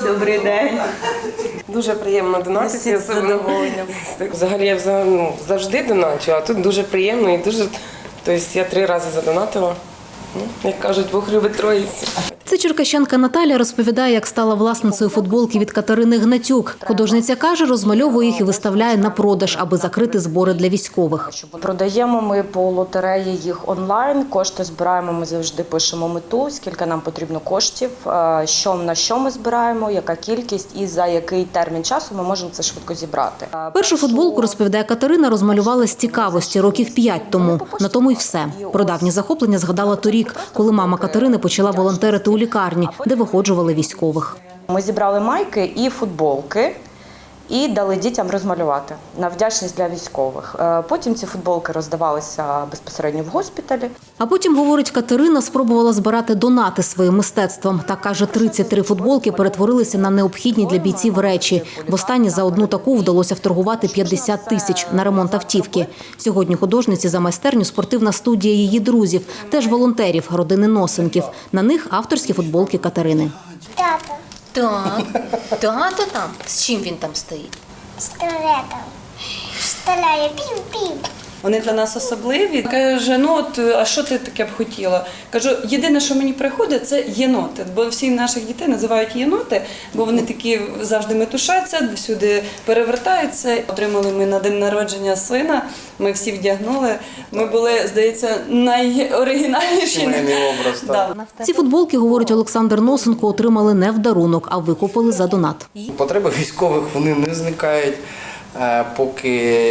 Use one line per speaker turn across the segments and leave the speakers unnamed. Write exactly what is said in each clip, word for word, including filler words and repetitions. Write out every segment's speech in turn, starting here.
Добрий день.
Дуже приємно донатити. Взагалі я ну, завжди доначу, а тут дуже приємно і дуже, тобто я три рази задонатила. Ну, як кажуть, Бог любить троїцю.
Це черкащанка Наталя розповідає, як стала власницею футболки від Катерини Гнатюк. Художниця каже, розмальовує їх і виставляє на продаж, аби закрити збори для військових.
Продаємо ми по лотереї їх онлайн, кошти збираємо, ми завжди пишемо мету, скільки нам потрібно коштів, що, на що ми збираємо, яка кількість і за який термін часу ми можемо це швидко зібрати.
Першу футболку, розповідає Катерина, розмалювала з цікавості років п'ять тому. На тому й все. Про давні захоплення згадала торік, коли мама Катерини почала волонтерити у лікарні, де виходжували військових.
Ми зібрали майки і футболки і дали дітям розмалювати на вдячність для військових. Потім ці футболки роздавалися безпосередньо в госпіталі.
А потім, говорить Катерина, спробувала збирати донати своїм мистецтвом. Та, каже, тридцять три футболки перетворилися на необхідні для бійців речі. Востаннє за одну таку вдалося вторгувати п'ятдесят тисяч на ремонт автівки. Сьогодні художниці за майстерню спортивна студія її друзів, теж волонтерів, родини Носенків. На них авторські футболки Катерини.
Тато.
Так, тато там? З чим він там стоїть?
З туалетом. Стріляє, пів-пів.
Вони для нас особливі. Каже, ну от, а що ти таке б хотіла? Кажу, єдине, що мені приходить, це єноти. Бо всі наших дітей називають єноти, бо вони такі завжди метушаться, всюди перевертаються. Отримали ми на день народження сина, ми всі вдягнули. Ми були, здається, найоригінальніші.
образ, так.
Ці футболки, говорить Олександр Носенко, отримали не в дарунок, а викупили за донат.
Потреби військових вони не зникають. Поки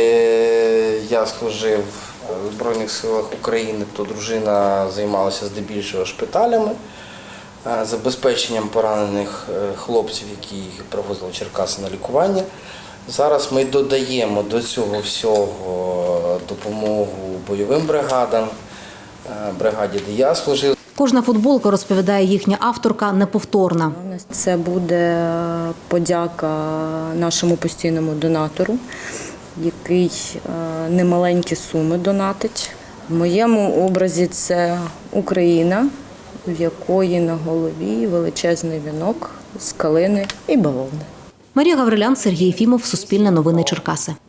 я служив в Збройних силах України, то дружина займалася здебільшого шпиталями, забезпеченням поранених хлопців, які їх привозили в Черкаси на лікування. Зараз ми додаємо до цього всього допомогу бойовим бригадам, бригаді, де я служив.
Кожна футболка, розповідає їхня авторка, неповторна.
Це буде подяка нашому постійному донатору, який немаленькі суми донатить. В моєму образі це Україна, в якої на голові величезний вінок з калини і бавовни.
Марія Гаврилян, Сергій Єфімов, Суспільне новини Черкаси.